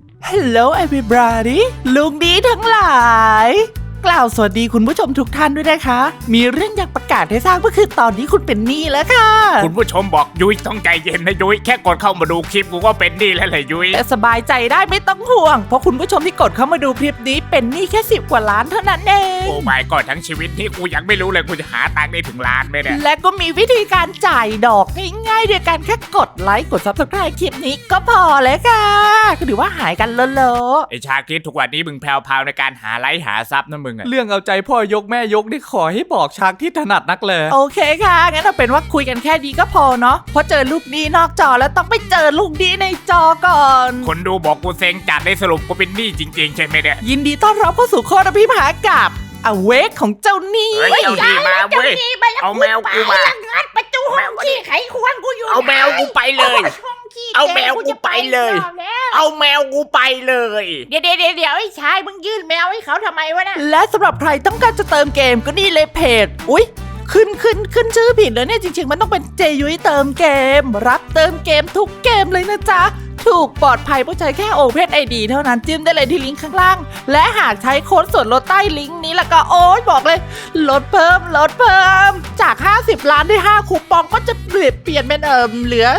Hello everybody ลุงดีทั้งหลายกล่าวสวัสดีคุณผู้ชมทุกท่านด้วยนะคะมีเรื่องอยากประกาศให้ทราบก็คือตอนนี้คุณเป็นหนี้แล้วค่ะคุณผู้ชมบอกยุ้ยต้องใจเย็นนะยุ้ยแค่กดเข้ามาดูคลิปกูก็เป็นหนี้แล้วแหละยุ้ยแต่สบายใจได้ไม่ต้องห่วงเพราะคุณผู้ชมที่กดเข้ามาดูคลิปนี้เป็นหนี้แค่10 กว่าล้านเท่านั้นเองโอ้ไม่ก็ทั้งชีวิตนี้กูยังไม่รู้เลยกูจะหาตังค์ได้ถึงล้านไหมเนี่ยและก็มีวิธีการจ่ายดอกง่ายๆโดยการแค่กดไลค์กด Subscribe คลิปนี้ก็พอเลยค่ะก็ถือว่าหายกันเลอะไอชาคิดทุกวันนี้มึงแพรวๆในการหาไลค์หาซับนะมึงอะเรื่องเอาใจพ่อยกแม่ยกนี่ขอให้บอกชักที่ถนัดนักเลยโอเคค่ะงั้นเอาเป็นว่าคุยกันแค่นี้ก็พอเนาะเพราะเจอลูกดีนอกจอแล้วต้องไปเจอลูกดีในจอก่อนคนดูบอกกูเซ็งจัดได้สรุปกูเป็นหนี้จริงๆใช่ไหมเนี่ยยินดีต้อนรับเข้าสู่ข้ออภิปรายกับอเวกของเจ้าหนี้เจ้าหนี้มาเว้ยเอาแมวกูมางัดประตูห้องขี้ไขควงกูอยู่เอาแมวกูไปเลยเอาแมวกูไปเลยเอาแมวกูไปเลยเดี๋ยวไอ้ชายมึงยื่นแมวให้เขาทำไมวะน่ะและสำหรับใครต้องการจะเติมเกมก็นี่เลยเพจอุ๊ยขึ้นชื่อผิดแล้วเนี่ยจริงๆมันต้องเป็นเจยุ้ยเติมเกมรับเติมเกมทุกเกมเลยนะจ๊ะถูกปลอดภัยเพราะใช้แค่ Open ID เท่านั้นจิ้มได้เลยที่ลิงก์ข้างล่างและหากใช้โค้ดส่วนลดใต้ลิงก์นี้แล้วก็โอ๊ยบอกเลยลดเพิ่มจาก50 ล้านได้5คูปองก็จะเปลี่ยนเป็นเหลือ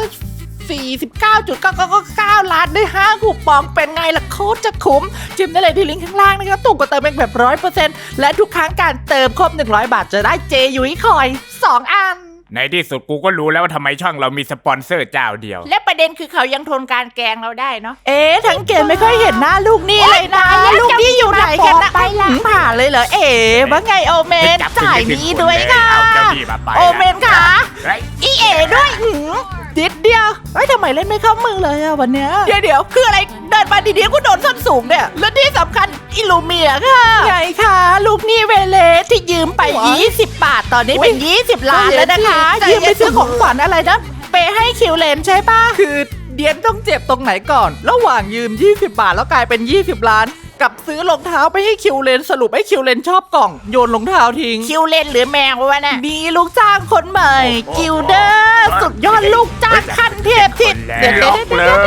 49.999 ล้านได้5คูปองเป็นไงล่ะโคตรจะคุ้มจิ้มได้เลยที่ลิงก์ข้างล่างนะครับตุ่มกดเติมเป็นแบบ 100% และทุกครั้งการเติมครบ100 บาทจะได้เจยุ้ยคอย2 อันในที่สุดกูก็รู้แล้วว่าทำไมช่องเรามีสปอนเซอร์เจ้าเดียวและประเด็นคือเขายังทนการแกล้งเราได้เนาะทั้งเกมไม่ค่อยเห็นหน้าลูกนี่เลยนะลูกนี่อยู่ไหนกันนะผ่านเลยเหรอว่าไงโอเมนจ่ายนี้ด้วยค่ะโอเมนค่ะอีด้วยดิดเดียวทำไมเล่นไม่เข้ามือเลยอะวันเนี้ยเดี๋ยวคืออะไรเดินมาดีๆกูโดนส้นสูงเนี่ยและที่สำคัญอิลูเมียค่ะไงคะลูกนี่เวเลสที่ยืมไป20 บาทตอนนี้เป็น20 ล้านแล้วนะคะยืมไปซื้อของขวัญอะไรนะไปให้คิวเลนใช่ปะคือเดียนต้องเจ็บตรงไหนก่อนระหว่างยืม20 บาทแล้วกลายเป็น20 ล้านกับซื้อรองเท้าไปให้คิวเลนสรุปให้คิวเลนชอบกล่องโยนรองเท้าทิ้งคิวเลนหรือแมววะน่ะมีลูกจ้างคนใหม่กิลเดอร์สุดยอดลูกจ้างขั้นเทพที่เดี๋ยวคุณลุ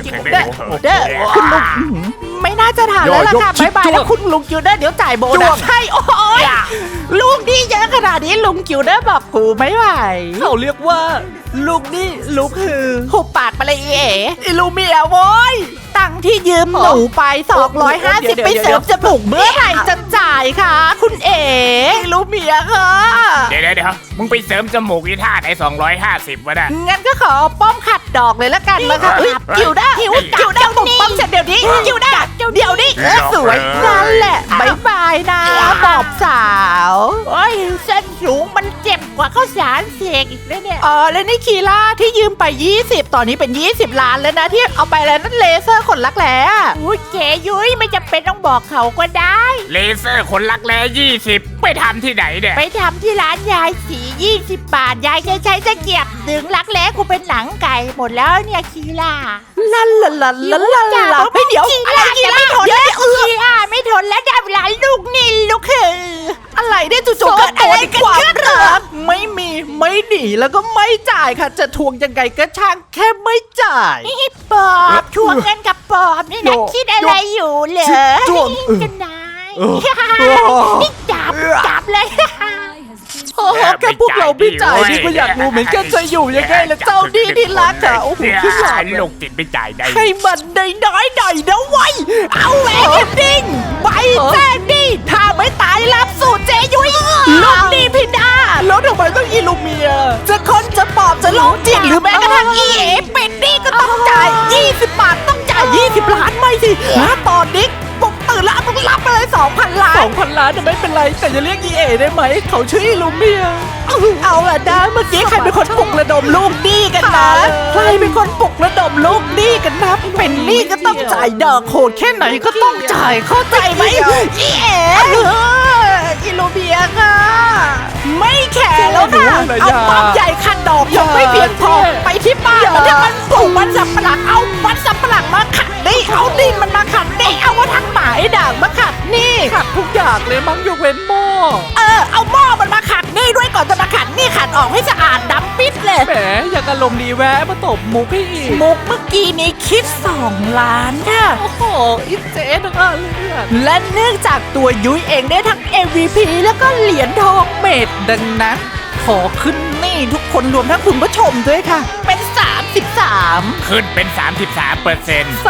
งไม่น่าจะถามแล้วล่ะค่ะบายแล้วคุณลุงกิลเดอร์เดี๋ยวจ่ายโบนัสให้โอ้ยลูกนี่เยอะขนาดนี้ลุงกิลเดอร์บอกกูไม่ไหวเขาเรียกว่าลูกนี่ลูกคือหุบปากไปเลยอิลูเมียโว้ยตังที่ยืมหนูไป250ไปเสริมจมูกเมื่อไหร่จะจ่ายคะคุณอิลูเมียค่ะเดี๋ยวมึงไปเสริมจมูกอีท่าไหน250วะน่ะงั้นก็ขอป้อมขัดดอกเลยละกันมาค่ะกิวด้าบุกป้อมเสร็จเดี๋ยวนี้กิวด้าเดี๋ยวนี้สวยนั่นแหละบายบายนะบอบสาวโอ้ยเส้นสูงมันเจ็บกว่าข้าวสารเสกอีกแล้วเนี่ยแล้วนี่คีล่าที่ยืมไป20ตอนนี้เป็น20 ล้านแล้วนะที่เอาไปแล้วนั่นเลเซอร์ขนรักแร้อุ้ยเก๋ยุ้ยไม่จำเป็นต้องบอกเขาก็ได้เลเซอร์ขนรักแร้20ไปทำที่ไหนเนี่ยไปทำที่ร้านยายสี20 บาทยายจะใช้ตะเกียบดึงรักแร้กูเป็นหนังไก่หมดแล้วเนี่ยคีล่าลาเดี๋ยวอะไรคีล่าไม่ทนแล้วคีล่าไม่ทนแล้วได้เวลาลูกนี่ลูกคืออะไรได้จู่ๆเกิดอะไรกันขึ้นเหรอไม่มีไม่หนีแล้วก็ไม่จ่ายค่ะจะทวงยังไงก็ช่างแค่ไม่จ่ายปอบทวงเงินกับปอบนี่นะคิดอะไรอยู่เหรอกันนายนี่จับเลยแค่พวกเราไม่จ่ายนี่ก็อยากรู้เหมือนกันจะอยู่ยังไงล่ะเจ้าดีที่รักอ่ะโอ้โหขึ้นหลานลูกติดไม่จ่ายได้ให้มันได้น้อยหน่อยนะไว้เอาแหวนดิ้งใบแจ้งดีถ้าไม่ตายรับสู่เจยุ้ยลูกดีพิดาแล้วทำไมต้องอิลูเมียจะคนจะปอบจะโลกจิตหรือแม้กระทั่งเป็นนี่ก็ต้องจ่าย20 บาทต้องจ่าย20 ล้านไม่สิตอนนี้ปุ๊บตื่นแล้วต้องรับไปเลย 2,000 ล้าน 2,000 ล้านจะไม่เป็นไรแต่จะเรียกได้ไหมเขาชื่ออิลูเมียเอาล่ะนะเมื่อกี้ใครเป็นคนปลุกระดมลูกหนี้กันนะใครเป็นคนปลุกระดมลูกหนี้กันนะเป็นหนี้ก็ต้องจ่ายดอกโหดแค่ไหนก็ต้องจ่ายเข้าใจไหมอิลูเมียค่ะไม่แข่แล้วค่ะเอาป้อมใหญ่ขัดดอกยังไม่เพียงพอไปที่บ้านแล้วถ้ามันปลูกมันสับปะหลังเอามันสับปะหลังมาขัดนี่เอาดินมันมาขัดนี่เอาว่าทั้งหมาไอ้ด่างมาขัดนี่ขัดทุกอย่างเลยมั้งยกเว้นหม้อเอาหม้อมันมาขัดนี่ด้วยก่อนจะมาขัดนี่ขัดออกให้สะอาดดำปิดเลยแหมอยากอารมณ์ดีแวะมาตบมุกให้อีกมุกเมื่อกี้นี้คิด2 ล้านค่ะโอ้โหอิเจ๊นะคะเลือดและเนื่องจากตัวยุ้ยเองได้ทั้ง MVP แล้วก็เหรียญทองเมดดังนั้น ขอขึ้นนี่ทุกคนรวมทั้งคุณผู้ชมด้วยค่ะ เป็น 33 ขึ้นเป็น 33%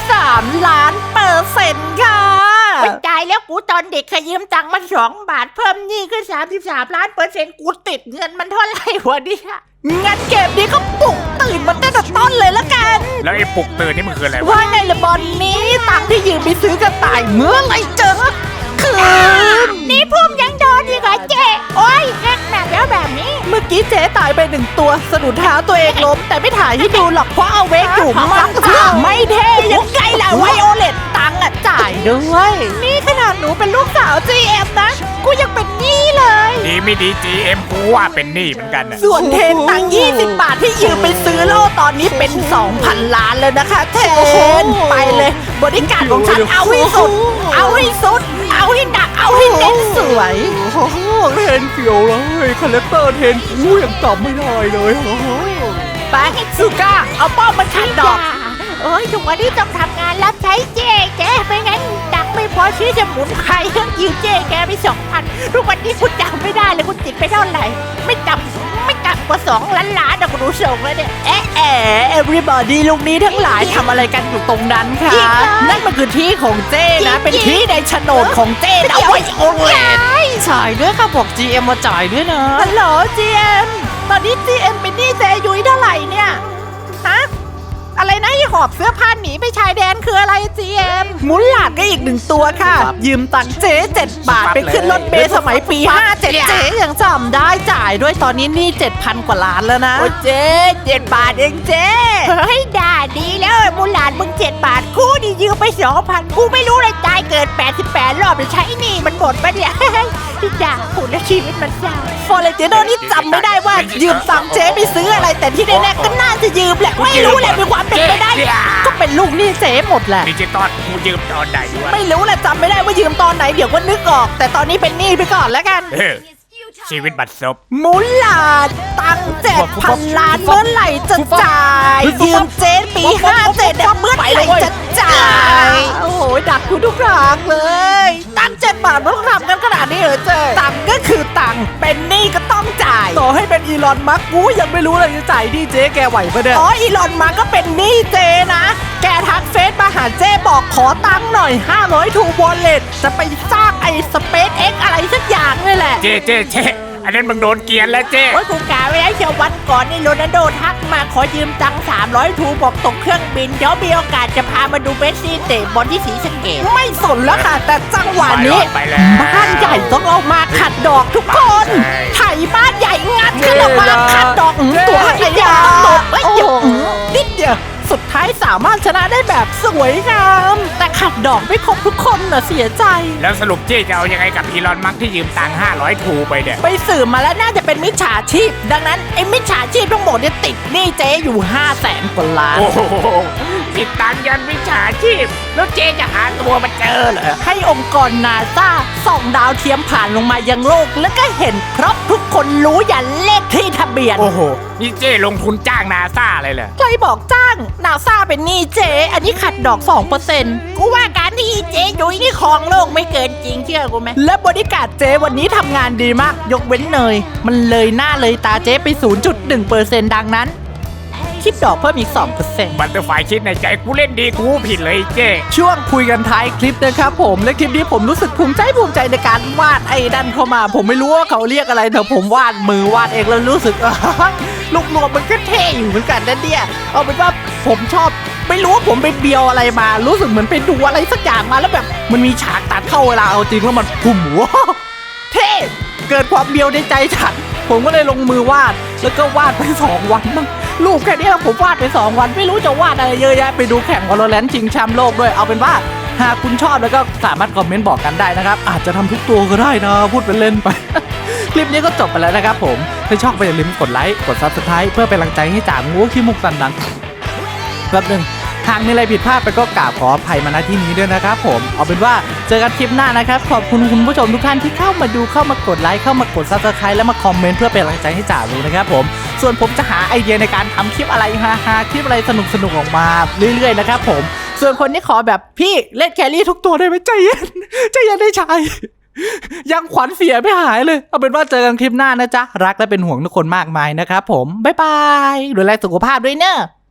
33 ล้านเปอร์เซ็นต์ค่ะไม่ตายแล้วกูตอนเด็กเคยยืมตังค์มา2 บาทเพิ่มหนี่ขึ้น33 ล้านเปอร์เซ็นต์กูติดเงินมันเท่าไหร่วะเนี่ยงั้นเกมนี้ก็ปลุกตื่นมาตั้งแต่ต้นเลยละกันแล้วไอ้ปลุกตื่นนี่มันคืออะไรวะว่าไงละบอลนี้ตังค์ที่ยืมไปซื้อกระต่ายเมื่อไหรเจอคืนนี่พุ่มยังโดนอีกเหรอเจ๊โอ้ยแฮกแมปแล้วแบบนี้เมื่อกี้เจ๊ตายไป1 ตัวสะดุดเท้าตัวเองล้ม แต่ไม่ถ่ายให้ดูหรอกเพราะเอาเวกอยู่มันไม่เท่ยังไงล่ะไวโอเลตตังค์อะจ่ายด้วย นี่ขนาดหนูเป็นลูกสาว GM นะ กูยังเป็นหนี้เลยดีไม่ดี GM กูว่าเป็นหนี้เหมือนกันนะส่วนเทนตังค์20 บาทที่ยืมไปซื้อโล่ตอนนี้เป็น 2,000 ล้านแล้วนะคะเทนไปเลยบริการของฉันเอาให้สุด เอาให้สุด เอาให้หนักเอาให้เน้นสวยโอ้โหเทนเขียวเลยคาแรคเตอร์เทนกูยังจำไม่ได้เลยโอ้โหไปซูก้าเอาป้อมมันขัดดอกเอ้ยทุกวันนี้ต้องทำงานรับใช้เจ๊ไม่งั้นดักไม่พอชื่อจะหมุนใครต้องยืมเจ๊แกไป2,000ทุกวันนี้คุณจำไม่ได้เลยคุณติดไปเท่าไหร่ไม่ต่ำกว่า2 ล้านล้านนะคุณดูส่งแล้วเนี่ย everybody ลูกนี้ทั้งหลายทำอะไรกันอยู่ตรงนั้นคะจริงเหรอนั่นมันคือที่ของเจ้นะ เป็นที่ในโฉนดของเจ้นะเอาไว้โอเลตจ่ายด้วยค่ะบอก GM มาจ่ายด้วยนะฮัลโหล GM ตอนนี้ GM เป็นหนี้เจยุ้ยเท่าไหร่เนี่ยฮะอะไรนะที่หอบเสื้อผ้าหนีไปชายแดนคืออะไร GM มุนหลาดก็อีก1 ตัวค่ะ ยืมตังค์เจ๊7 บาทไปขึ้นรถเมล์สมัยปี 57 เจ๊ยังจำได้จ่ายด้วยตอนนี้หนี่ 7,000 กว่าล้านแล้วนะโอ้เจ๊7 บาทเองเจ๊เฮ้ยด่าดีแล้วมูลหลานมึง7 บาทกูนี่ยืมไป2,000กูไม่รู้เลยตายเกิด88 รอบจะใช้หนี่มันหมดปะเนี่ยด่ากูแล้วชีวิตมันเศร้าฟอเรเจโดนี่จำไม่ได้ว่ายืมตังค์เจ๊ไปซื้ออะไร แต่ที่แน่ๆก็น่าจะยืมแหละไม่รู้แหละมีความเป็นไปได้ ก็เป็นลูกหนี้เจ๊หมดแหละดิจิตอลกูยืมตอนไหนวะไม่รู้แหละจำไม่ได้ว่ายืมตอนไหนเดี๋ยวก็นึกออก แต่ตอนนี้เป็นหนี้ไปก่อนแล้วกันเออชีวิตบัดซบมุลลาดตังค์7,000 ล้านเมื่อไหร่จะจ่ายยืมเจ๊ปี57เนี่ยเมื่อไหร่จะจ่ายโอ้โหดักกูทุกครั้งเลยตังค์7 บาทมันต้องทำกันขนาดนี้เหรอเจ๊ตังค์ก็คือตังค์เป็นหนี้ก็ต้องจ่ายต่อให้เป็นอีลอนมัสก์กูยังไม่รู้เลยจะจ่ายที่เจ๊แกไหวปะเนี่ยอ๋ออีลอนมาก็เป็นหนี้เจนะ แกทักเฟซมาหาเจบอกขอตังค์หน่อย500ทูวอลเล็ตจะไปสร้างไอ้สเปซเอ็กอะไรสักอย่างนี่แหละเจ๊อันนั้นมึงโดนเกลียนแล้วเจ๊โอ้ยกูกาไว้แล้วเชียววันก่อนนี่โรนัลโดทักมาขอยืมตังค์300 ทูบอกตกเครื่องบินเดี๋ยวมีโอกาสจะพามาดูเมสซี่เตะบอลที่ศรีสะเกษไม่สนแล้วค่ะ แต่จังหวะนี้ไปแล้วบ้านใหญ่ต้องเอามาขัดดอกทุกคนไถบ้านใหญ่งัดขึ้นออกมาขัดดอกตัวไอ้ยาตกไอ้หยงนิดเดียวสุดท้ายสามารถชนะได้แบบสวยงามแต่ขัดดอกไม่ครบทุกคนน่ะเสียใจแล้วสรุปเจ๊จะเอายังไงกับอีลอนมัสก์ที่ยืมตังค์500 ทูไปเนี่ยไปสืบมาแล้วน่าจะเป็นมิจฉาชีพ ดังนั้นไอ้มิจฉาชีพทั้งหมดเนี่ยติดหนี้เจ๊อยู่500,000 กว่าล้านโอ้โหติดตังค์ยันวิชาชีพ แล้วเจ๊จะหาตัวมาเจอเหรอให้องค์กรนาซาส่องดาวเทียมผ่านลงมายังโลก แล้วก็เห็นครบทุกคนรู้ยันเลขที่ทะเบียนโอ้โห นี่เจ๊ลงทุนจ้างนาซาเลยเหรอใครบอกจ้างนาซาเป็นหนี้เจ๊อันนี้ขัดดอก 2% กูว่าการที่เจ๊ยุ้ยนี่ครองโลกไม่เกินจริงเชื่อกูไหมและบริการดเจ๊วันนี้ทำงานดีมาก ยกเว้นเนย มันเลยหน้าเลยตาเจ๊ไป 0.1% ดังนั้น คิดดอกเพิ่มอีก 2% บัตเตอร์ไฟคิดในใจกูเล่นดีกูผิดเลยเจ๊ช่วงคุยกันท้ายคลิปนะครับผมและคลิปนี้ผมรู้สึกภูมิใจในการวาดไอ้ดันเข้ามา ผมไม่รู้ว่าเขาเรียกอะไรแต่ผมวาดมือวาดเองแล้วรู้สึก ลูกรวมมันก็เท่อยู่เหมือนกันนะเนี่ยเอาเป็นว่าผมชอบไม่รู้ว่าผมไปเบียวอะไรมา รู้สึกเหมือนไปดูอะไรสักอย่างมาแล้วแบบมันมีฉากตัดเข้าเวลาเอาจริงแล้วมันพุ่มว้าวเท่เกิดความเบียวในใจฉันผมก็เลยลงมือวาดแล้วก็วาดไป2 วันมั้งรูปแค่เนี้ยผมวาดไป2 วันไม่รู้จะวาดอะไรเยอะแยะไปดูแข่งวอลเลนชิงแชมป์โลกด้วยเอาเป็นว่าหากคุณชอบแล้วก็สามารถคอมเมนต์บอกกันได้นะครับอาจจะทำทุกตัวก็ได้นะพูดเป็นเล่นไป คลิปนี้ก็จบไปแล้วนะครับผมถ้าชอบก็อย่าลืมกดไลค์กด Subscribe เพื่อเป็นกำลังใจให้จ่างูขี้มุกตันดังแป๊บหนึงหากมีอะไรผิดพลาดไปก็กราบขออภัยมาณที่นี้ด้วยนะครับผมเอาเป็นว่าเจอกันคลิปหน้านะครับขอบคุณคุณผู้ชมทุกท่านที่เข้ามาดูเข้ามากดไลค์เข้ามากด Subscribe และมาคอมเมนต์เพื่อเป็นกำลังใจให้จ่างูนะครับผมส่วนผมจะหาไอเดียในการทำคลิปอะไรฮาๆคลิปอะไรสนุกๆออกมาเรื่อยๆนะครับผมส่วนคนที่ขอแบบพี่เล่นแครี่ทุกตัวได้ไหมใจเย็นใจเย็นได้ชายยังขวัญเสียไม่หายเลยเอาเป็นว่าเจอกันคลิปหน้านะจ๊ะรักและเป็นห่วงทุกคนมากมายนะครับผมบ๊ายบายดูแลสุขภาพด้วยเนอะ